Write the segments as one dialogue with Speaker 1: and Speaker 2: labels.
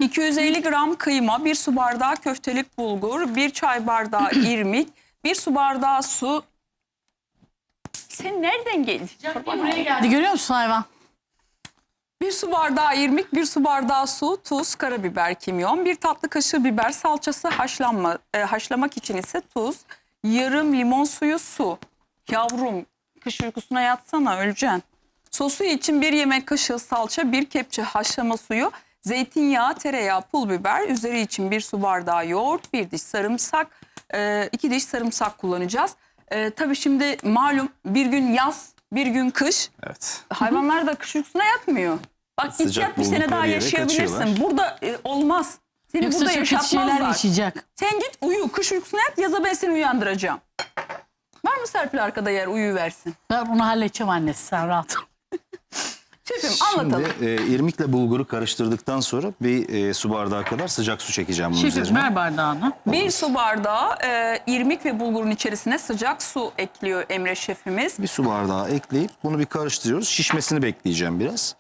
Speaker 1: 250 gram kıyma, 1 su bardağı köftelik bulgur, 1 çay bardağı irmik, 1 su bardağı su. Sen nereden geldin?
Speaker 2: Buraya geldi. Görüyor musun hayvan?
Speaker 1: 1 su bardağı irmik, 1 su bardağı su, tuz, karabiber, kimyon, 1 tatlı kaşığı biber salçası, haşlamak için ise tuz, yarım limon suyu, su. Yavrum, kış uykusuna yatsana, öleceksin. Sosu için 1 yemek kaşığı salça, 1 kepçe haşlama suyu, zeytinyağı, tereyağı, pul biber, üzeri için 1 su bardağı yoğurt, 1 diş sarımsak, 2 diş sarımsak kullanacağız. Tabii şimdi malum bir gün yaz, bir gün kış.
Speaker 3: Evet.
Speaker 1: Hayvanlar da kış uykusuna yatmıyor. Bak git
Speaker 3: Sıcak
Speaker 1: yat, bir sene
Speaker 3: buldukları
Speaker 1: daha
Speaker 3: yere
Speaker 1: yaşayabilirsin.
Speaker 3: kaçıyorlar.
Speaker 1: Burada olmaz. Seni
Speaker 2: Yoksa
Speaker 1: burada
Speaker 2: çok kötü şeyler
Speaker 1: yaşatmazlar.
Speaker 2: yaşayacak.
Speaker 1: Sen git uyu, kış uykusuna yat, yaza ben seni uyandıracağım. Var mı Serpil arkada yer uyuversin?
Speaker 2: Ben bunu halledeceğim annesi, sen rahat ol.
Speaker 1: Şefim anlatalım.
Speaker 3: Şimdi irmikle bulguru karıştırdıktan sonra bir su bardağı kadar sıcak su çekeceğim bunun
Speaker 2: Şefim
Speaker 3: üzerine.
Speaker 2: ver bardağını.
Speaker 1: 1 su bardağı irmik ve bulgurun içerisine sıcak su ekliyor Emre şefimiz.
Speaker 3: Bir su bardağı ekleyip bunu bir karıştırıyoruz. Şişmesini bekleyeceğim biraz.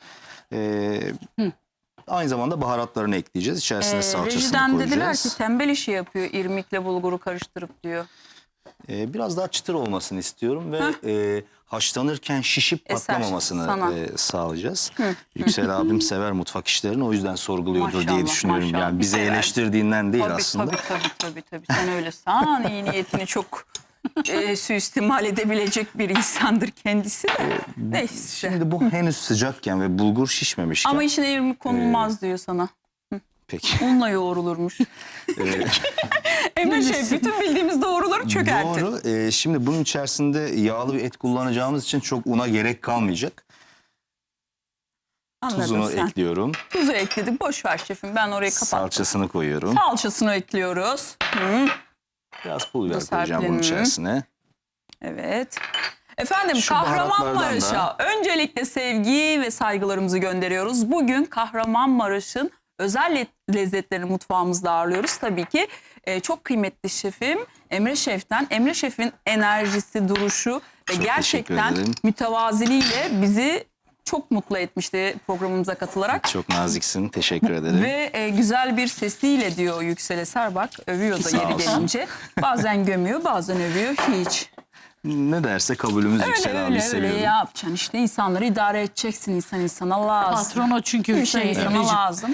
Speaker 3: Aynı zamanda baharatlarını ekleyeceğiz. İçerisine salçasını
Speaker 1: Rejiden
Speaker 3: koyacağız.
Speaker 1: dediler ki tembel işi yapıyor irmikle bulguru karıştırıp diyor.
Speaker 3: Biraz daha çıtır olmasını istiyorum ve haşlanırken şişip
Speaker 1: Eser sana.
Speaker 3: patlamamasını sağlayacağız. Yüksel abim sever mutfak işlerini, o yüzden sorguluyordur
Speaker 1: Maşallah,
Speaker 3: diye düşünüyorum.
Speaker 1: maşallah.
Speaker 3: Yani bizi
Speaker 1: Sever.
Speaker 3: eleştirdiğinden değil
Speaker 1: Tabii,
Speaker 3: aslında.
Speaker 1: tabii. Sen öyle san iyi niyetini çok suistimal edebilecek bir insandır kendisi de. Neyse.
Speaker 3: Şimdi bu henüz sıcakken ve bulgur şişmemişken.
Speaker 1: Ama içine irmik konulmaz diyor sana.
Speaker 3: Peki.
Speaker 1: Unla yoğrulurmuş. Emre Şef bütün bildiğimiz doğruları çökertir.
Speaker 3: Doğru. Şimdi bunun içerisinde yağlı bir et kullanacağımız için çok una gerek kalmayacak.
Speaker 1: Anladın
Speaker 3: Tuzunu
Speaker 1: sen.
Speaker 3: ekliyorum.
Speaker 1: Tuzu ekledik. Boş ver şefim. Ben orayı kapattım.
Speaker 3: Salçasını koyuyorum.
Speaker 1: Salçasını ekliyoruz.
Speaker 3: Biraz pul biber
Speaker 1: Bu
Speaker 3: koyacağım bunun
Speaker 1: Serpil'in.
Speaker 3: içerisine.
Speaker 1: Evet. Efendim
Speaker 3: Şu
Speaker 1: Kahramanmaraş'a öncelikle sevgi ve saygılarımızı gönderiyoruz. Bugün Kahramanmaraş'ın özel lezzetlerini mutfağımızda ağırlıyoruz. Tabii ki çok kıymetli şefim Emre Şef'ten. Emre Şef'in enerjisi, duruşu ve
Speaker 3: Çok
Speaker 1: gerçekten
Speaker 3: teşekkür ederim.
Speaker 1: mütevaziliğiyle bizi çok mutlu etmişti programımıza katılarak.
Speaker 3: Çok naziksin. Teşekkür ederim.
Speaker 1: Ve güzel bir sesiyle diyor Yüksel Eser, bak övüyor da
Speaker 3: Sağ
Speaker 1: yeri
Speaker 3: olsun.
Speaker 1: gelince. Bazen gömüyor, bazen övüyor, hiç.
Speaker 3: Ne derse kabulümüz Yüksel abi seviyorum.
Speaker 1: Öyle yapacaksın işte, insanları idare edeceksin, insan insana lazım.
Speaker 2: Patron o çünkü bir
Speaker 1: İnsan
Speaker 2: şey.
Speaker 1: insana
Speaker 2: Emreciğim.
Speaker 1: lazım.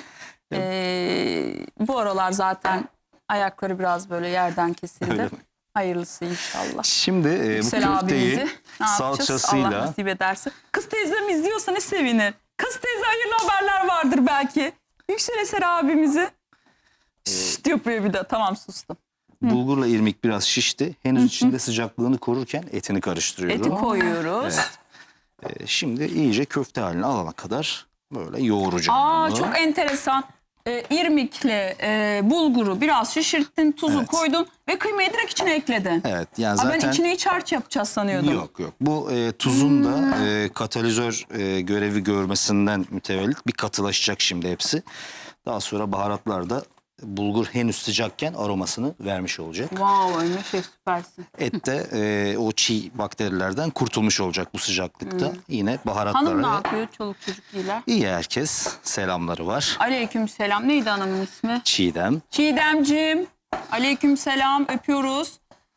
Speaker 1: Bu aralar zaten ayakları biraz böyle yerden kesildi.
Speaker 3: Öyle mi?
Speaker 1: Hayırlısı inşallah.
Speaker 3: Şimdi bu
Speaker 1: Yüksel abimizi
Speaker 3: köfteyi
Speaker 1: ne yapacağız? Allah
Speaker 3: salçasıyla
Speaker 1: nasip ederse. Kız teyzem izliyorsa ne sevinir. Kız teyze hayırlı haberler vardır belki. Yüksel Eser abimizi. Şşt yapıyor bir de. Tamam sustum.
Speaker 3: bulgurla irmik biraz şişti. Henüz içinde sıcaklığını korurken etini karıştırıyorum.
Speaker 1: Eti koyuyoruz.
Speaker 3: Şimdi iyice köfte haline alana kadar böyle yoğuracağım bunu.
Speaker 1: Çok enteresan. İrmikle bulguru biraz şişirttin, tuzu
Speaker 3: Evet.
Speaker 1: koydun ve kıymayı direkt içine ekledin.
Speaker 3: Evet, yani
Speaker 1: Ben
Speaker 3: zaten
Speaker 1: içine iç harç yapacağız sanıyordum.
Speaker 3: yok. Bu tuzun da katalizör görevi görmesinden mütevellit bir katılaşacak şimdi hepsi. Daha sonra baharatlar da bulgur henüz sıcakken aromasını vermiş olacak.
Speaker 1: Wow, Emre Şef süpersin.
Speaker 3: Et de o çiğ bakterilerden kurtulmuş olacak bu sıcaklıkta. Yine baharatları.
Speaker 1: Hanım ne yapıyor? Çoluk çocuk iyiler.
Speaker 3: İyi herkes. Selamları var.
Speaker 1: Aleyküm selam. Neydi hanımın ismi?
Speaker 3: Çiğdem.
Speaker 1: Çiğdemciğim. Aleyküm selam. Öpüyoruz.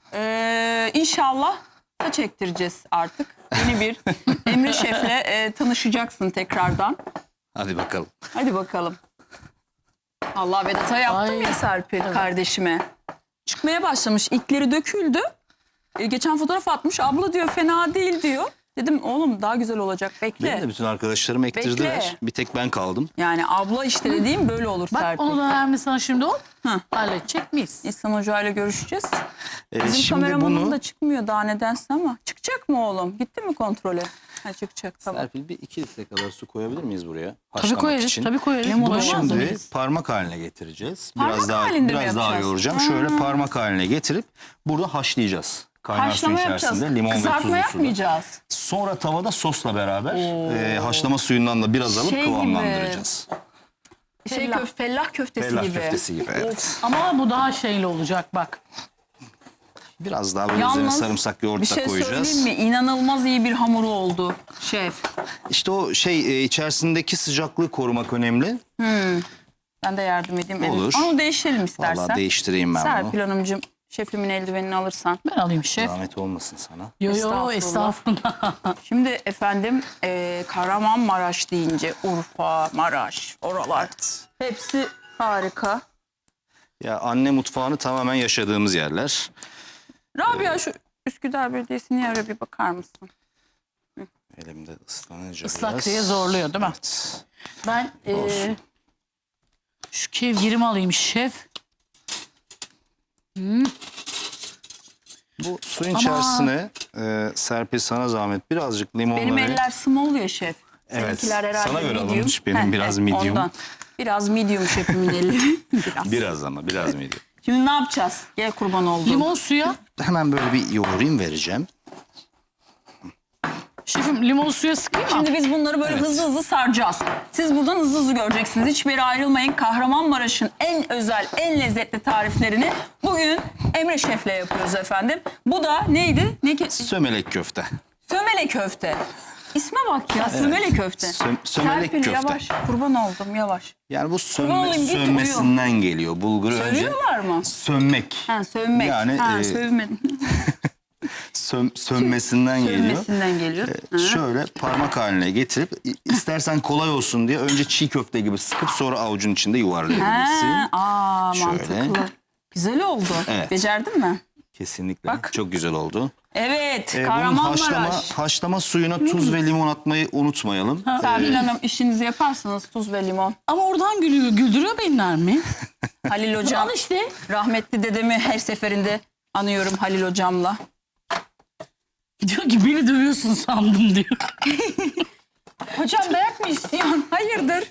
Speaker 1: İnşallah saç ektireceğiz artık. Yeni bir Emre Şef'le tanışacaksın tekrardan.
Speaker 3: Hadi bakalım.
Speaker 1: Hadi bakalım. Allah Vedat'a yaptım
Speaker 2: Ay.
Speaker 1: ya Serpil kardeşime. Çıkmaya başlamış. İlkleri döküldü. Geçen fotoğraf atmış. Abla diyor fena değil diyor. Dedim oğlum daha güzel olacak. Bekle.
Speaker 3: Benim de bütün arkadaşlarım ektirdiler.
Speaker 1: Bekle.
Speaker 3: Bir tek ben kaldım.
Speaker 1: Yani abla işte dediğim böyle olur
Speaker 2: Bak
Speaker 1: Serpil.
Speaker 2: onu da vermiş sana şimdi o.
Speaker 1: Hı.
Speaker 2: Halledecek miyiz?
Speaker 1: İhsan Hoca ile görüşeceğiz. Bizim
Speaker 3: Şimdi
Speaker 1: kameramanım
Speaker 3: bunu
Speaker 1: da çıkmıyor daha nedense ama. Çıkacak mı oğlum? Gitti mi kontrole? Ha, çıkacak tamam.
Speaker 3: Serpil bir 2 litre kadar su koyabilir miyiz buraya?
Speaker 2: Tabii
Speaker 3: Haşlamak
Speaker 2: koyarız.
Speaker 3: için.
Speaker 2: Tabii koyarız.
Speaker 1: Limon
Speaker 3: Bunu
Speaker 1: olmaz
Speaker 2: Koymaz
Speaker 3: şimdi
Speaker 2: mıyız?
Speaker 3: parmak haline getireceğiz.
Speaker 1: Parmak halinde mi
Speaker 3: biraz daha
Speaker 1: yapacağız?
Speaker 3: yoğuracağım. Şöyle parmak haline getirip burada haşlayacağız. Kaynar su
Speaker 1: Haşlama yapacağız.
Speaker 3: içerisinde limon ve
Speaker 1: Kızartma
Speaker 3: tuzlu suda.
Speaker 1: yapmayacağız.
Speaker 3: Sonra tavada sosla beraber haşlama suyundan da biraz alıp
Speaker 1: Şey gibi.
Speaker 3: kıvamlandıracağız.
Speaker 1: Fellah köftesi
Speaker 3: Fellah
Speaker 1: gibi.
Speaker 3: köftesi gibi, evet.
Speaker 2: Ama bu daha şeyli olacak bak.
Speaker 3: Biraz daha böyle üzerine sarımsak yoğurt
Speaker 1: bir
Speaker 3: da
Speaker 1: şey
Speaker 3: koyacağız.
Speaker 1: söyleyeyim mi? İnanılmaz iyi bir hamuru oldu şef.
Speaker 3: İşte o içerisindeki sıcaklığı korumak önemli.
Speaker 1: Ben de yardım edeyim.
Speaker 3: Olur.
Speaker 1: Onu değiştirelim istersen.
Speaker 3: Vallahi değiştireyim ben
Speaker 1: Serpil
Speaker 3: bunu.
Speaker 1: Hanımcığım, şefimin eldivenini alırsan.
Speaker 2: Ben alayım şef.
Speaker 3: Zahmet olmasın sana.
Speaker 2: Yo
Speaker 1: Estağfurullah.
Speaker 2: estağfurullah.
Speaker 1: Şimdi efendim Kahramanmaraş deyince Urfa, Maraş, oralar hepsi harika.
Speaker 3: Ya anne mutfağını tamamen yaşadığımız yerler.
Speaker 1: Rabia şu Üsküdar Belediyesi'nin yere bir bakar mısın?
Speaker 3: Elimde ıslanınca
Speaker 2: Islak
Speaker 3: biraz.
Speaker 2: diye zorluyor değil mi?
Speaker 3: Evet.
Speaker 2: Ben
Speaker 3: Olsun.
Speaker 2: şu kevgirimi alayım şef.
Speaker 3: Bu suyun
Speaker 2: Ama-
Speaker 3: içerisine Serpil sana zahmet birazcık limonla
Speaker 1: Benim
Speaker 3: ve-
Speaker 1: eller small ya şef.
Speaker 3: Evet,
Speaker 1: Seninkiler herhalde
Speaker 3: sana göre
Speaker 1: medium.
Speaker 3: alınmış, benim biraz medium.
Speaker 1: Ondan. Biraz medium şefimin elleri. Biraz.
Speaker 3: Biraz ama biraz mıydı?
Speaker 1: Şimdi ne yapacağız? Gel kurban oldum.
Speaker 2: Limon suya.
Speaker 3: Hemen böyle bir yoğurayım vereceğim.
Speaker 2: Şefim limon suya sıkayım mı?
Speaker 1: Şimdi biz bunları böyle hızlı hızlı saracağız. Siz buradan hızlı hızlı göreceksiniz. Hiçbir yere ayrılmayın. Kahramanmaraş'ın en özel, en lezzetli tariflerini bugün Emre Şef'le yapıyoruz efendim. Bu da neydi?
Speaker 3: Sömelek köfte.
Speaker 1: Sömele köfte. İsme bak ya, sömele köfte.
Speaker 3: Sömelek
Speaker 1: Serpil,
Speaker 3: köfte.
Speaker 1: yavaş, kurban oldum, yavaş.
Speaker 3: Yani bu
Speaker 1: olayım, git,
Speaker 3: sönmesinden geliyor. Bulguru önce
Speaker 1: Sövüyorlar mı?
Speaker 3: sönmek.
Speaker 1: Ha, sövmek.
Speaker 3: Yani,
Speaker 1: ha, sövmedim.
Speaker 3: Sönmesinden geliyor.
Speaker 1: Sövmesinden geliyor. Ha.
Speaker 3: Şöyle parmak haline getirip istersen kolay olsun diye önce çiğ köfte gibi sıkıp sonra avucun içinde yuvarlayabilirsin.
Speaker 1: Şöyle.
Speaker 3: Şöyle.
Speaker 1: Mantıklı. Güzel oldu.
Speaker 3: Evet.
Speaker 1: Becerdin mi?
Speaker 3: Kesinlikle.
Speaker 1: Bak.
Speaker 3: Çok güzel oldu.
Speaker 1: Evet.
Speaker 3: Bunun
Speaker 1: Kahramanmaraş.
Speaker 3: haşlama suyuna tuz ve limon atmayı unutmayalım.
Speaker 1: Serpil Hanım işinizi yaparsınız, tuz ve limon.
Speaker 2: Ama oradan gülüyor. Güldürüyor beni Nermin.
Speaker 1: Halil Hocam.
Speaker 2: Al işte.
Speaker 1: Rahmetli dedemi her seferinde anıyorum Halil Hocam'la.
Speaker 2: Diyor ki beni dövüyorsun sandım diyor.
Speaker 1: Hocam dayak mı istiyorsun? Hayırdır?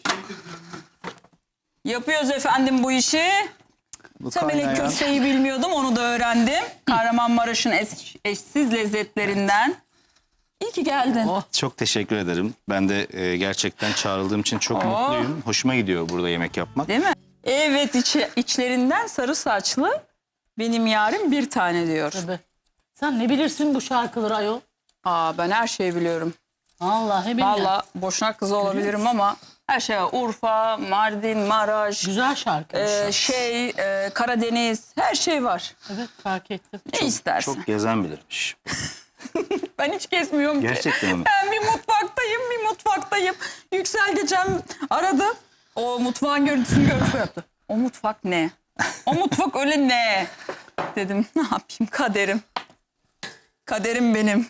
Speaker 1: Yapıyoruz efendim bu işi.
Speaker 3: Bu
Speaker 1: Sömelek
Speaker 3: kaynayan-
Speaker 1: köfteyi bilmiyordum, onu da öğrendim. Kahramanmaraş'ın eşsiz lezzetlerinden. İyi ki geldin.
Speaker 2: Oh.
Speaker 3: Çok teşekkür ederim. Ben de gerçekten çağrıldığım için çok mutluyum. Hoşuma gidiyor burada yemek yapmak.
Speaker 1: Değil mi? Evet, içlerinden sarı saçlı benim yarim bir tane diyor.
Speaker 2: Tabii. Sen ne bilirsin bu şarkıları ayol?
Speaker 1: Aa, ben her şeyi biliyorum.
Speaker 2: Vallahi billahi.
Speaker 1: Valla Boşnak kızı olabilirim ama her şey var. Urfa, Mardin, Maraş,
Speaker 2: Güzel şarkı.
Speaker 1: Karadeniz, her şey var.
Speaker 2: Evet fark ettim.
Speaker 1: Ne istersin?
Speaker 3: Çok gezen bilirmiş.
Speaker 1: Ben hiç gezmiyorum ki.
Speaker 3: Gerçekten mi?
Speaker 1: Ben bir mutfaktayım. Yüksel geçen aradı. O mutfağın görüntüsünü görüp yaptı. O mutfak ne? O mutfak öyle ne? Dedim ne yapayım, kaderim. Kaderim benim.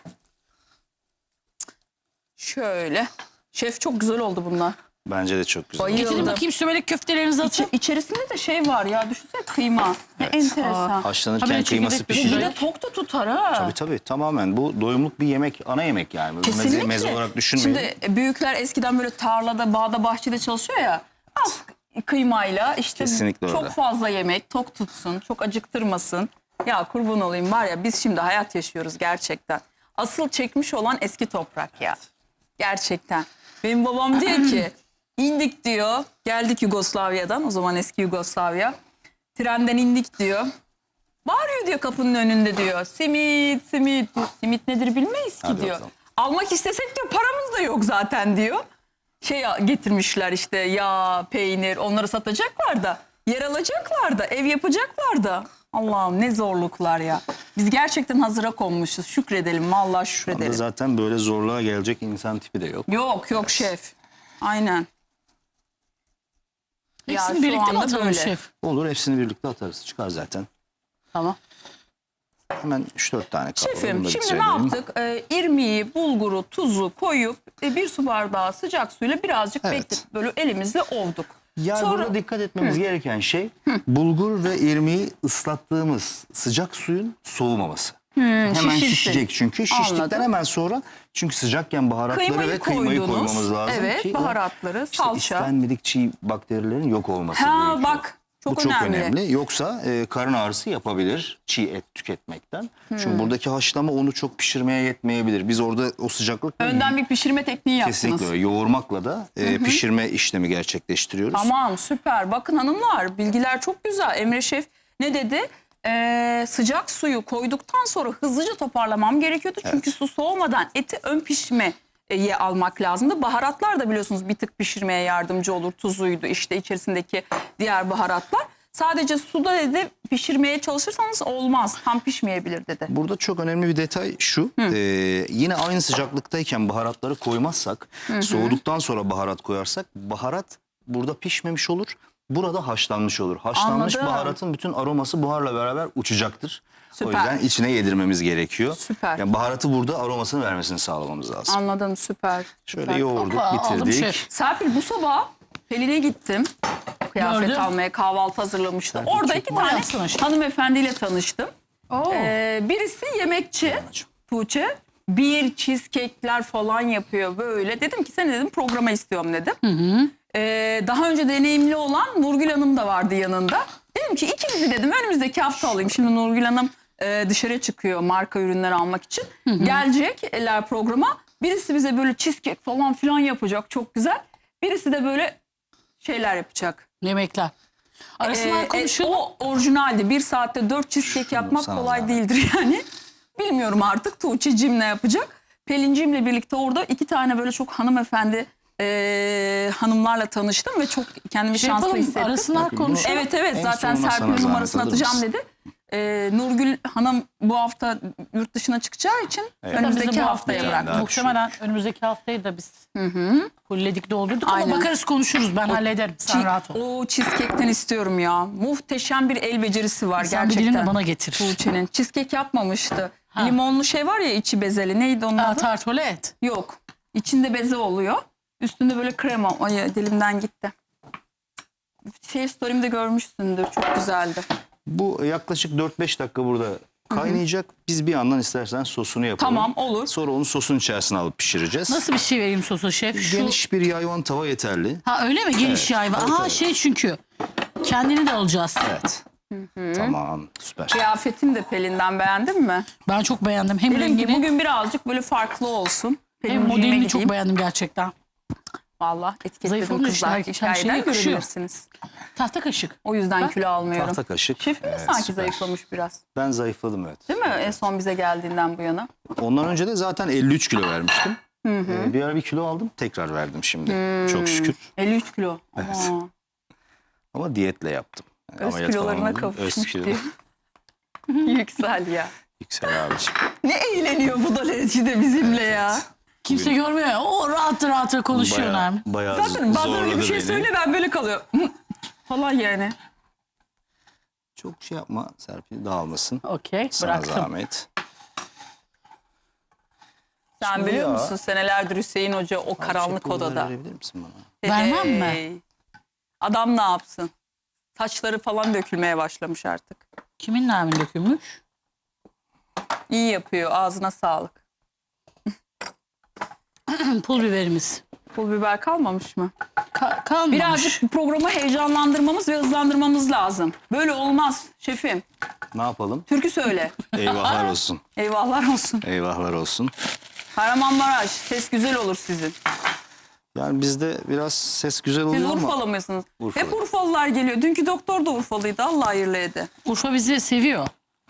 Speaker 1: Şöyle. Şef çok güzel oldu bunlar.
Speaker 3: Bence de çok güzel.
Speaker 1: Bayıldım.
Speaker 2: Getirin bakayım sömelek köftelerinizi atın.
Speaker 1: İçerisinde de şey var ya, düşünsene kıyma. Ne enteresan.
Speaker 3: Haşlanırken
Speaker 2: Haberi
Speaker 3: kıyması
Speaker 2: çekirdek bir
Speaker 1: Bir
Speaker 3: pişecek.
Speaker 1: de tok da tutar ha.
Speaker 3: Tabii tamamen bu doyumluk bir yemek, ana yemek yani. Böyle
Speaker 1: Kesinlikle.
Speaker 3: Meze olarak düşünmeyin.
Speaker 1: Şimdi büyükler eskiden böyle tarlada, bağda, bahçede çalışıyor ya. Az kıymayla işte
Speaker 3: Kesinlikle
Speaker 1: çok
Speaker 3: öyle.
Speaker 1: fazla yemek, tok tutsun, çok acıktırmasın. Ya kurban olayım var ya, biz şimdi hayat yaşıyoruz gerçekten. Asıl çekmiş olan eski toprak ya. Gerçekten. Benim babam diyor ki indik diyor, geldik Yugoslavya'dan, o zaman eski Yugoslavya. Trenden indik diyor. Bağırıyor diyor kapının önünde diyor. Simit, simit. Diyor. Simit nedir bilmeyiz ki
Speaker 3: Hadi
Speaker 1: diyor.
Speaker 3: bakalım.
Speaker 1: Almak istesek diyor paramız da yok zaten diyor. Getirmişler işte yağ, peynir, onları satacaklar da. Yer alacaklar da, ev yapacaklar da. Allah'ım ne zorluklar ya. Biz gerçekten hazıra konmuşuz. Şükredelim, vallahi
Speaker 3: Onda
Speaker 1: şükredelim.
Speaker 3: zaten böyle zorluğa gelecek insan tipi de yok.
Speaker 1: Yok şef. Aynen. Ya
Speaker 2: Hepsini
Speaker 1: şu
Speaker 2: birlikte mi
Speaker 1: anda
Speaker 2: atalım
Speaker 1: böyle.
Speaker 2: şef?
Speaker 3: Olur, hepsini birlikte atarız. Çıkar zaten.
Speaker 2: Tamam.
Speaker 3: Hemen 3-4 tane kapalı.
Speaker 1: Şefim
Speaker 3: Bunu da
Speaker 1: şimdi ne
Speaker 3: bitirelim.
Speaker 1: yaptık? İrmiği, bulguru, tuzu koyup bir su bardağı sıcak suyla birazcık
Speaker 3: Evet.
Speaker 1: bekletip böyle elimizle ovduk.
Speaker 3: Yani
Speaker 1: Sonra-
Speaker 3: burada dikkat etmemiz gereken şey bulgur ve irmiği ıslattığımız sıcak suyun soğumaması. Hemen
Speaker 1: şişirsin.
Speaker 3: şişecek çünkü. Şiştikten
Speaker 1: Anladım.
Speaker 3: hemen sonra çünkü sıcakken baharatları ve kıymayı
Speaker 1: koydunuz.
Speaker 3: koymamız lazım
Speaker 1: Evet,
Speaker 3: ki
Speaker 1: baharatları,
Speaker 3: işte
Speaker 1: salça.
Speaker 3: istenmedik çiğ bakterilerin yok olması
Speaker 1: Ha
Speaker 3: gerekiyor.
Speaker 1: bak çok
Speaker 3: Bu çok
Speaker 1: önemli.
Speaker 3: önemli. Yoksa karın ağrısı yapabilir çiğ et tüketmekten. Çünkü buradaki haşlama onu çok pişirmeye yetmeyebilir. Biz orada o sıcaklıkla
Speaker 1: Önden bir pişirme tekniği yaptınız.
Speaker 3: kesinlikle öyle. Yoğurmakla da pişirme işlemi gerçekleştiriyoruz.
Speaker 1: Tamam süper. Bakın hanımlar bilgiler çok güzel. Emre Şef ne dedi? Sıcak suyu koyduktan sonra hızlıca toparlamam gerekiyordu. Çünkü su soğumadan eti ön pişme ye almak lazımdı. Baharatlar da biliyorsunuz bir tık pişirmeye yardımcı olur. Tuzuydu işte içerisindeki diğer baharatlar. Sadece suda dedi pişirmeye çalışırsanız olmaz. Tam pişmeyebilir dedi.
Speaker 3: Burada çok önemli bir detay şu. Yine aynı sıcaklıktayken baharatları koymazsak, soğuduktan sonra baharat koyarsak baharat burada pişmemiş olur. Burada haşlanmış olur. Haşlanmış
Speaker 1: Anladım.
Speaker 3: baharatın bütün aroması buharla beraber uçacaktır.
Speaker 1: Süper.
Speaker 3: O yüzden içine yedirmemiz gerekiyor.
Speaker 1: Süper.
Speaker 3: Yani baharatı burada aromasını vermesini sağlamamız lazım.
Speaker 1: Anladım, süper.
Speaker 3: Şöyle
Speaker 1: süper.
Speaker 3: yoğurduk,
Speaker 2: Hoppa, aldım
Speaker 3: bitirdik.
Speaker 2: şef.
Speaker 1: Serpil bu sabah Pelin'e gittim. Kıyafet
Speaker 2: Gördüm.
Speaker 1: almaya, kahvaltı hazırlamıştı.
Speaker 3: Serpil
Speaker 1: Orada
Speaker 3: çok
Speaker 1: iki
Speaker 2: bayağı
Speaker 1: tane
Speaker 2: yapsana.
Speaker 1: hanımefendiyle tanıştım.
Speaker 2: Oo.
Speaker 1: Birisi yemekçi, Tuğçe. Bir cheesecake'ler falan yapıyor böyle. Dedim ki sen dedim programa istiyorum dedim. Daha önce deneyimli olan Nurgül Hanım da vardı yanında. Dedim ki ikimizi dedim önümüzdeki hafta alayım. Şimdi Nurgül Hanım dışarı çıkıyor marka ürünler almak için. Gelecekler programa. Birisi bize böyle cheesecake falan filan yapacak çok güzel. Birisi de böyle şeyler yapacak.
Speaker 2: Yemekler. Arasından konuşalım.
Speaker 1: O orijinaldi. Bir saatte 4 cheesecake yapmak
Speaker 3: sana
Speaker 1: kolay
Speaker 3: zahmet.
Speaker 1: değildir yani. Bilmiyorum artık Tuğçe'cim ne yapacak. Pelincimle birlikte orada iki tane böyle çok hanımefendi hanımlarla tanıştım ve çok kendimi
Speaker 2: Şey
Speaker 1: şanslı
Speaker 2: yapalım,
Speaker 1: hissettim.
Speaker 2: arasından
Speaker 3: Bakın bunu-
Speaker 2: konuşalım.
Speaker 1: Evet evet
Speaker 3: En
Speaker 1: zaten
Speaker 3: sonuna sana
Speaker 1: Serpil'in
Speaker 3: zahmet
Speaker 1: numarasını
Speaker 3: alır
Speaker 1: atacağım
Speaker 3: mısın?
Speaker 1: dedi. Nurgül Hanım bu hafta yurt dışına çıkacağı için
Speaker 3: Evet.
Speaker 1: önümüzdeki
Speaker 2: Bizi bu
Speaker 1: haftaya
Speaker 2: haftaya
Speaker 1: bıraktı.
Speaker 3: daha
Speaker 2: Muhtemelen önümüzdeki haftayı da biz fulledik doldurduk
Speaker 1: Aynen.
Speaker 2: ama bakarız konuşuruz. Ben hallederim. Sen rahat ol.
Speaker 1: O cheesecake'ten istiyorum ya. Muhteşem bir el becerisi var
Speaker 2: Sen bir
Speaker 1: gerçekten.
Speaker 2: dilini bana getir.
Speaker 1: Tuğçe'nin. Cheesecake yapmamıştı.
Speaker 2: Ha.
Speaker 1: Limonlu şey var ya içi bezeli. Neydi onun adı?
Speaker 2: Tartolet.
Speaker 1: Yok. İçinde beze oluyor. Üstünde böyle krema. Ay dilimden gitti. Şey story'imde görmüşsündür. Çok güzeldi.
Speaker 3: Bu yaklaşık 4-5 dakika burada kaynayacak. Biz bir yandan istersen sosunu yapalım.
Speaker 1: Tamam, olur.
Speaker 3: Sonra onu sosun içerisine alıp pişireceğiz.
Speaker 2: Nasıl bir şey vereyim sosu şef? Şu...
Speaker 3: Geniş bir yayvan tava yeterli.
Speaker 2: Ha öyle mi? Geniş yayva.
Speaker 3: Evet,
Speaker 2: Aha
Speaker 3: evet.
Speaker 2: şey çünkü. Kendini de alacağız.
Speaker 3: Evet. Tamam, süper.
Speaker 1: Kıyafetim de Pelin'den beğendin mi?
Speaker 2: Ben çok beğendim. Hem
Speaker 1: Dedim ki
Speaker 2: rengini
Speaker 1: bugün birazcık böyle farklı olsun.
Speaker 2: hem
Speaker 1: Pelinciğime
Speaker 2: modelini çok
Speaker 1: gideyim.
Speaker 2: beğendim gerçekten.
Speaker 1: Valla
Speaker 2: Zayıf
Speaker 1: etiketledim
Speaker 2: olmuş
Speaker 1: kızlar.
Speaker 2: işte. Her şeye
Speaker 1: Hikayeden
Speaker 2: yakışıyor.
Speaker 1: görebilirsiniz.
Speaker 2: Tahta kaşık.
Speaker 1: O yüzden
Speaker 2: Bak.
Speaker 1: kilo almıyorum.
Speaker 3: Tahta kaşık.
Speaker 1: Şefimiz
Speaker 3: Evet,
Speaker 1: sanki
Speaker 3: süper.
Speaker 1: zayıflamış biraz.
Speaker 3: Ben zayıfladım, evet.
Speaker 1: Değil mi? En son bize geldiğinden bu yana.
Speaker 3: Ondan önce de zaten 53 kilo vermiştim. Bir ara bir kilo aldım, tekrar verdim şimdi. Çok şükür.
Speaker 1: 53 kilo.
Speaker 3: Evet.
Speaker 1: Ama
Speaker 3: Ama diyetle yaptım. Yani
Speaker 1: öz
Speaker 3: ameliyat falan
Speaker 1: kilolarına
Speaker 3: olmadım. Öz
Speaker 1: kavuşmuş
Speaker 3: kilo.
Speaker 1: diyor. Yüksel ya.
Speaker 3: Yüksel abiciğim.
Speaker 1: Ne eğleniyor bu da de bizimle ya.
Speaker 2: Kimse görmüyor ya. O rahat rahat konuşuyor Nermin.
Speaker 3: Bayağı
Speaker 1: Zaten bazen öyle bir
Speaker 3: zorladı
Speaker 1: şey
Speaker 3: beni.
Speaker 1: söyle ben böyle kalıyorum. Falan yani.
Speaker 3: Çok şey yapma Serpil, dağılmasın.
Speaker 2: Okey
Speaker 3: Sana
Speaker 2: bıraktım.
Speaker 3: zahmet.
Speaker 1: Sen
Speaker 3: Şimdi
Speaker 1: biliyor
Speaker 3: ya-
Speaker 1: musun senelerdir Hüseyin Hoca o karanlık
Speaker 3: Çek kolları
Speaker 1: odada.
Speaker 3: verebilir misin bana?
Speaker 2: Vermem mi?
Speaker 1: Hey. Adam ne yapsın? Saçları falan dökülmeye başlamış artık.
Speaker 2: Kimin Nermin dökülmüş?
Speaker 1: İyi yapıyor. Ağzına sağlık.
Speaker 2: Pul biberimiz.
Speaker 1: Pul biber kalmamış mı?
Speaker 2: Kalmamış.
Speaker 1: Birazcık programı heyecanlandırmamız ve hızlandırmamız lazım. Böyle olmaz şefim.
Speaker 3: Ne yapalım?
Speaker 1: Türkü söyle.
Speaker 3: Eyvahlar olsun.
Speaker 1: Eyvahlar olsun.
Speaker 3: Eyvahlar olsun.
Speaker 1: Kahramanmaraş. Ses güzel olur sizin.
Speaker 3: Yani bizde biraz ses güzel
Speaker 1: Siz
Speaker 3: oluyor ama
Speaker 1: Urfalı mısınız?
Speaker 3: Urfalı.
Speaker 1: Hep Urfalılar geliyor. Dünkü doktor da Urfalıydı. Allah hayırlı ede.
Speaker 2: Urfa bizi seviyor.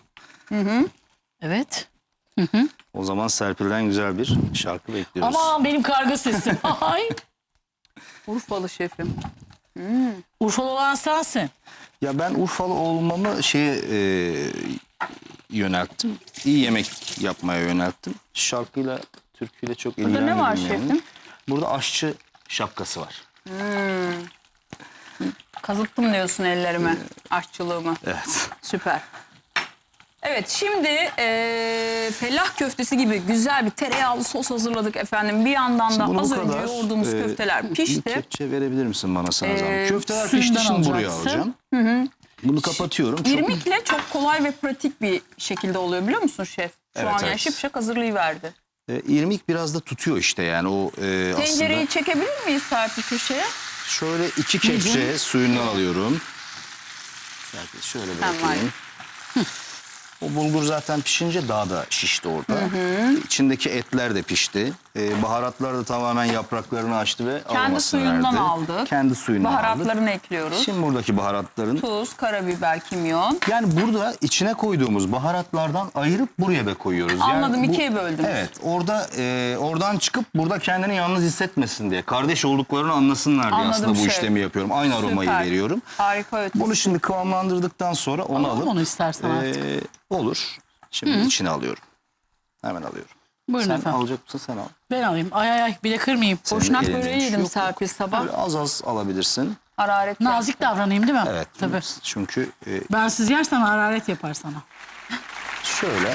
Speaker 2: Evet.
Speaker 3: o zaman Serpil'den güzel bir şarkı bekliyoruz.
Speaker 2: Aman benim karga sesim. Ay.
Speaker 1: Urfalı şefim.
Speaker 2: Urfalı olan sensin.
Speaker 3: Ya ben Urfalı olmamı yönelttim. İyi yemek yapmaya yönelttim. Şarkıyla, türküyle çok
Speaker 1: Burada
Speaker 3: ilgilenmedim.
Speaker 1: ne var
Speaker 3: yani.
Speaker 1: şefim?
Speaker 3: Burada aşçı şapkası var.
Speaker 1: Kazıttım diyorsun ellerime. Aşçılığımı.
Speaker 3: Evet.
Speaker 1: Süper. Evet şimdi fellah köftesi gibi güzel bir tereyağlı sos hazırladık efendim. Bir yandan
Speaker 3: Şimdi
Speaker 1: da
Speaker 3: bunu
Speaker 1: az
Speaker 3: bu
Speaker 1: önce
Speaker 3: kadar,
Speaker 1: yoğurduğumuz köfteler
Speaker 3: Bir
Speaker 1: pişti.
Speaker 3: kepçe verebilir misin bana sana zahmet? Köfteler
Speaker 2: suyundan
Speaker 3: pişti, şimdi buraya
Speaker 2: alacaksın.
Speaker 3: alacağım. Bunu kapatıyorum. Çok
Speaker 1: İrmikle çok kolay ve pratik bir şekilde oluyor biliyor musun şef? Şu
Speaker 3: Evet,
Speaker 1: an yani
Speaker 3: evet.
Speaker 1: şıpşak hazırlayıverdi.
Speaker 3: irmik biraz da tutuyor işte yani o
Speaker 1: Tencereyi
Speaker 3: aslında.
Speaker 1: çekebilir miyiz Serpil köşeye?
Speaker 3: Şöyle 2 kepçe suyundan alıyorum. Serpil şöyle
Speaker 1: Tamam.
Speaker 3: bırakayım. O bulgur zaten pişince daha da şişti orada. İçindeki etler de pişti. Baharatlar da tamamen yapraklarını açtı ve
Speaker 1: Kendi
Speaker 3: aromasını
Speaker 1: suyundan
Speaker 3: verdi.
Speaker 1: aldık.
Speaker 3: Kendi suyundan aldık.
Speaker 1: Baharatlarını ekliyoruz.
Speaker 3: Şimdi buradaki baharatların...
Speaker 1: Tuz, karabiber, kimyon.
Speaker 3: Yani burada içine koyduğumuz baharatlardan ayırıp buraya koyuyoruz.
Speaker 1: Anladım,
Speaker 3: yani
Speaker 1: ikiye böldünüz.
Speaker 3: Evet, oradan çıkıp burada kendini yalnız hissetmesin diye, kardeş olduklarını anlasınlar diye
Speaker 1: Anladım
Speaker 3: aslında bu
Speaker 1: şef.
Speaker 3: işlemi yapıyorum. Aynı aromayı
Speaker 1: Süper.
Speaker 3: veriyorum.
Speaker 1: Harika ötesi.
Speaker 3: Bunu şimdi kıvamlandırdıktan sonra onu
Speaker 2: Alalım
Speaker 3: alıp
Speaker 2: onu istersen artık.
Speaker 3: olur. Şimdi içine alıyorum. Hemen alıyorum.
Speaker 2: Buyurun
Speaker 3: Sen
Speaker 2: efendim.
Speaker 3: alacak mısın? Sen al.
Speaker 2: Ben alayım. Ay bir de kırmayayım.
Speaker 3: Senin
Speaker 1: Boşnak
Speaker 3: elinin
Speaker 1: böreği
Speaker 3: işi
Speaker 1: yedim
Speaker 3: yok.
Speaker 1: Serpil sabah.
Speaker 3: Böyle az az alabilirsin.
Speaker 1: Hararet
Speaker 2: Nazik davranayım değil mi?
Speaker 3: Evet.
Speaker 2: Tabii.
Speaker 3: Çünkü
Speaker 2: Ben siz yersen hararet yapar sana.
Speaker 3: şöyle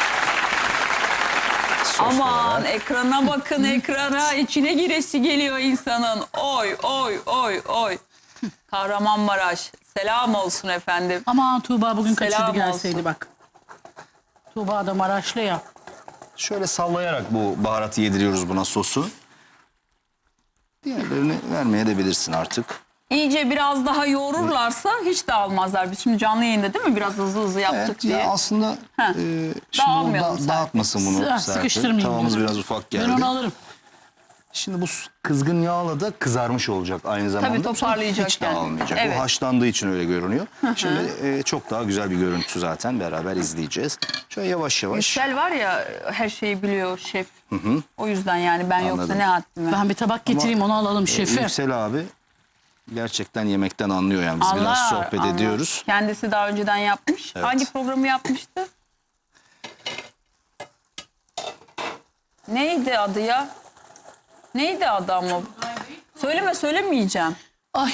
Speaker 3: sos
Speaker 1: Aman
Speaker 3: olarak
Speaker 1: ekrana bakın ekrana. İçine giresi geliyor insanın. Oy oy oy oy. Kahramanmaraş. Selam olsun efendim.
Speaker 2: Aman Tuğba bugün
Speaker 1: Selam
Speaker 2: kaçırdı gelseydi
Speaker 1: olsun.
Speaker 2: bak. Tuğba da Maraşlı ya.
Speaker 3: şöyle sallayarak bu baharatı yediriyoruz buna, sosu. Diğerlerini vermeye de bilirsin artık.
Speaker 1: İyice biraz daha yoğururlarsa hiç de almazlar. Biz şimdi canlı yayında değil mi? Biraz hızlı yaptık
Speaker 3: Evet
Speaker 1: diye.
Speaker 3: ya aslında şimdi
Speaker 1: Dağılmayalım
Speaker 3: o dağıtmasın bunu. Serpil.
Speaker 2: Sıkıştırmayayım
Speaker 3: Tavamız
Speaker 2: diyorum.
Speaker 3: biraz ufak
Speaker 2: Ben
Speaker 3: geldi.
Speaker 2: onu alırım.
Speaker 3: Şimdi bu kızgın yağla da kızarmış olacak aynı zamanda.
Speaker 1: toparlayacak
Speaker 3: Hiç
Speaker 1: yani.
Speaker 3: dağılmayacak.
Speaker 1: Evet.
Speaker 3: O haşlandığı için öyle görünüyor. Şimdi çok daha güzel bir görüntü zaten, beraber izleyeceğiz. Şöyle yavaş yavaş.
Speaker 1: Yüksel var ya her şeyi biliyor şef. O yüzden yani ben yoksa
Speaker 3: Anladım.
Speaker 1: ne haddime.
Speaker 2: Ben bir tabak getireyim onu alalım şefi.
Speaker 3: Yüksel abi gerçekten yemekten anlıyor yani. Biz biraz sohbet
Speaker 1: anlar.
Speaker 3: ediyoruz.
Speaker 1: Kendisi daha önceden yapmış.
Speaker 3: Evet.
Speaker 1: Hangi programı yapmıştı? Neydi adı ya? Neydi adı ama? Söylemeyeceğim.
Speaker 2: Ay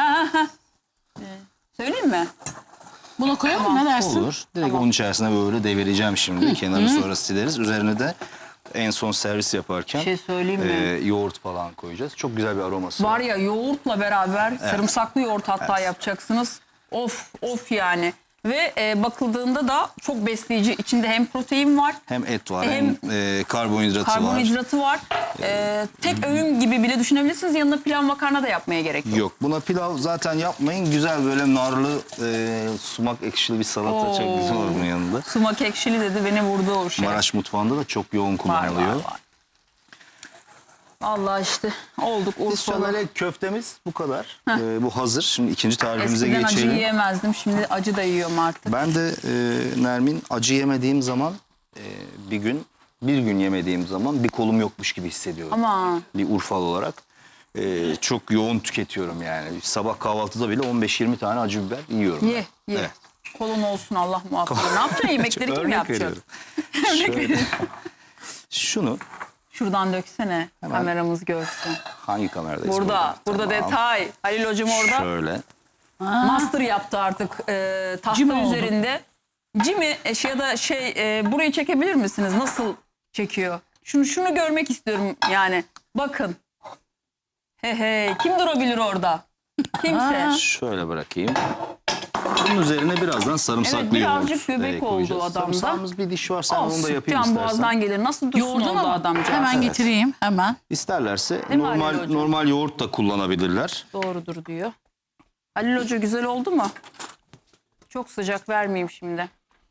Speaker 1: Söyleyeyim mi?
Speaker 2: buna koyalım ne dersin?
Speaker 3: Olur. Direkt onun içerisine böyle devireceğim şimdi. Kenarını sonra sileriz. Üzerine de en son servis yaparken
Speaker 1: Bir şey söyleyeyim mi?
Speaker 3: yoğurt falan koyacağız. Çok güzel bir aroması var.
Speaker 1: Var ya yoğurtla beraber sarımsaklı yoğurt hatta yapacaksınız. Of of yani. Ve bakıldığında da çok besleyici. İçinde hem protein var,
Speaker 3: Hem et var
Speaker 1: Hem
Speaker 3: hem karbonhidratı var.
Speaker 1: karbonhidratı var. Tek öğün gibi bile düşünebilirsiniz. Yanına pilav makarna da yapmaya gerek yok.
Speaker 3: Yok, buna pilav zaten yapmayın. Güzel böyle narlı, sumak ekşili bir salata çok güzel olur bunun yanında.
Speaker 1: Sumak ekşili dedi beni vurdu o şey.
Speaker 3: Maraş mutfağında da çok yoğun
Speaker 1: Var,
Speaker 3: kullanılıyor.
Speaker 1: var. Vallahi işte olduk
Speaker 3: Biz
Speaker 1: Urfalı.
Speaker 3: şöyle köftemiz bu kadar. Bu hazır. Şimdi ikinci tarifimize
Speaker 1: Eskiden acı
Speaker 3: geçelim.
Speaker 1: yiyemezdim. Şimdi acı da yiyorum artık.
Speaker 3: Ben de Nermin, acı yemediğim zaman bir gün yemediğim zaman bir kolum yokmuş gibi hissediyorum.
Speaker 1: Ama
Speaker 3: Bir Urfalı olarak. Çok yoğun tüketiyorum yani. Sabah kahvaltıda bile 15-20 tane acı biber yiyorum.
Speaker 1: ye
Speaker 3: ben.
Speaker 1: ye.
Speaker 3: Evet.
Speaker 1: Kolun olsun Allah muhafaza. Ne yapacaksın? Yemekleri kim
Speaker 3: Örnek
Speaker 1: yapacak?
Speaker 3: veriyorum. Şöyle, şunu
Speaker 1: Şuradan döksene. Kameramız görsün.
Speaker 3: hangi kameradayız?
Speaker 1: Burada
Speaker 3: Tamam.
Speaker 1: detay. Halil hocam orada
Speaker 3: Şöyle.
Speaker 1: master yaptı artık tahta
Speaker 2: Cimi oldu.
Speaker 1: üzerinde. Cimi ya da burayı çekebilir misiniz? Nasıl çekiyor? Şunu görmek istiyorum yani. Bakın. He kim durabilir orada? Kimse.
Speaker 3: Şöyle bırakayım. Bunun üzerine birazdan sarımsaklı
Speaker 1: Evet, birazcık
Speaker 3: yoğurt
Speaker 1: göbek oldu
Speaker 3: koyacağız.
Speaker 1: adamda.
Speaker 3: Sarımsağımız bir diş var, sen onu da
Speaker 1: Olsun.
Speaker 3: yapayım
Speaker 1: Can
Speaker 3: istersen.
Speaker 1: boğazdan gelir. Nasıl dursun
Speaker 2: Yoğurdun
Speaker 1: oldu
Speaker 2: ama
Speaker 1: adamcağız?
Speaker 2: hemen getireyim hemen.
Speaker 3: İsterlerse
Speaker 1: Değil mi Halil Hocam?
Speaker 3: normal yoğurt da kullanabilirler.
Speaker 1: Doğrudur diyor. Halil Hoca güzel oldu mu? Çok sıcak vermeyeyim şimdi.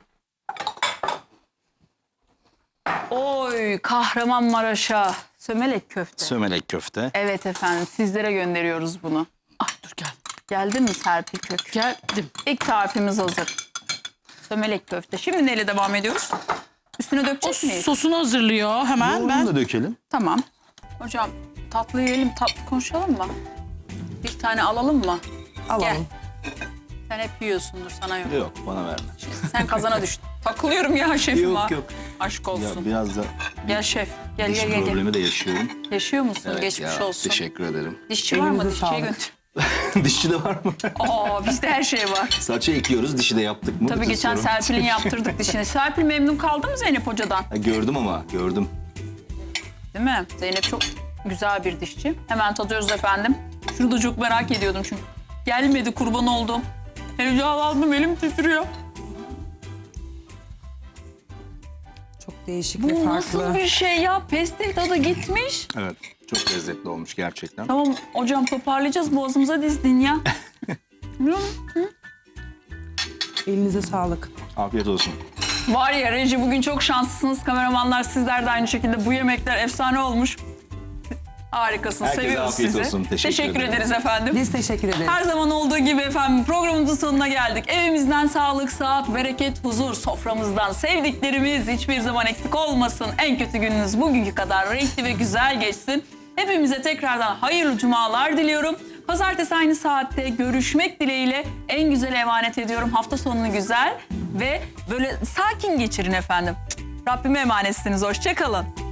Speaker 1: Oy Kahramanmaraş'a sömelek köfte.
Speaker 3: Sömelek köfte.
Speaker 1: Evet efendim sizlere gönderiyoruz bunu.
Speaker 2: Ay dur gel.
Speaker 1: Geldi mi Serpil Kök?
Speaker 2: Geldim.
Speaker 1: İlk tarifimiz hazır. Sömelek köfte. Şimdi neyle devam ediyoruz? Üstüne
Speaker 2: O
Speaker 1: dökecek miyiz?
Speaker 2: sosunu hazırlıyor hemen
Speaker 3: Yoğurdunu
Speaker 2: ben.
Speaker 3: da dökelim.
Speaker 1: Tamam. Hocam tatlı yiyelim, tatlı konuşalım mı? Bir tane alalım mı?
Speaker 2: Alalım.
Speaker 1: Gel. Sen hep yiyorsundur, sana yok.
Speaker 3: Yok, bana verme.
Speaker 1: Sen kazana düştün. Takılıyorum ya şefim
Speaker 3: Yok,
Speaker 1: ha.
Speaker 3: yok.
Speaker 1: Aşk
Speaker 3: Ya
Speaker 1: olsun.
Speaker 3: biraz da
Speaker 1: Gel şef. Gel
Speaker 3: diş
Speaker 1: gel gel.
Speaker 3: problemi de yaşıyorum.
Speaker 1: Yaşıyor musun?
Speaker 3: Evet
Speaker 1: Geçmiş
Speaker 3: ya,
Speaker 1: olsun.
Speaker 3: teşekkür ederim.
Speaker 1: Dişçi var mı?
Speaker 2: Elinize
Speaker 1: Dişçiye
Speaker 2: sağlık.
Speaker 1: götür.
Speaker 3: Dişçi de var mı?
Speaker 1: Aa bizde her şey var.
Speaker 3: Saça ekliyoruz, dişi de yaptık mı?
Speaker 1: Tabii
Speaker 3: Bütün
Speaker 1: geçen
Speaker 3: sorun.
Speaker 1: Serpil'in yaptırdık dişini. Serpil memnun kaldı mı Zeynep Hoca'dan?
Speaker 3: Gördüm ama, gördüm.
Speaker 1: Değil mi? Zeynep çok güzel bir dişçi. Hemen tadıyoruz efendim. Şunu da çok merak ediyordum çünkü. Gelmedi kurban oldum. Heyecanlandım elim titriyor.
Speaker 4: Çok değişik
Speaker 1: Bu
Speaker 4: ve farklı.
Speaker 1: nasıl bir şey ya? Pestil tadı gitmiş.
Speaker 3: Evet, çok lezzetli olmuş gerçekten.
Speaker 1: Tamam hocam toparlayacağız boğazımıza dizdin ya. Biliyor musun?
Speaker 4: Elinize sağlık.
Speaker 3: Afiyet olsun.
Speaker 1: Var ya Reji, bugün çok şanslısınız. Kameramanlar, sizler de aynı şekilde. Bu yemekler efsane olmuş. Harikasınız.
Speaker 3: Herkese
Speaker 1: Seviyoruz
Speaker 3: afiyet
Speaker 1: sizi.
Speaker 3: olsun. Teşekkür ederim.
Speaker 1: ederiz efendim.
Speaker 4: Biz teşekkür ederiz.
Speaker 1: Her zaman olduğu gibi efendim programımızın sonuna geldik. Evimizden sağlık, sıhhat, bereket, huzur, soframızdan sevdiklerimiz hiçbir zaman eksik olmasın. En kötü gününüz bugünkü kadar renkli ve güzel geçsin. Hepimize tekrardan hayırlı cumalar diliyorum. Pazartesi aynı saatte görüşmek dileğiyle en güzel emanet ediyorum. Hafta sonunu güzel ve böyle sakin geçirin efendim. Rabbime emanetsiniz. Hoşça kalın.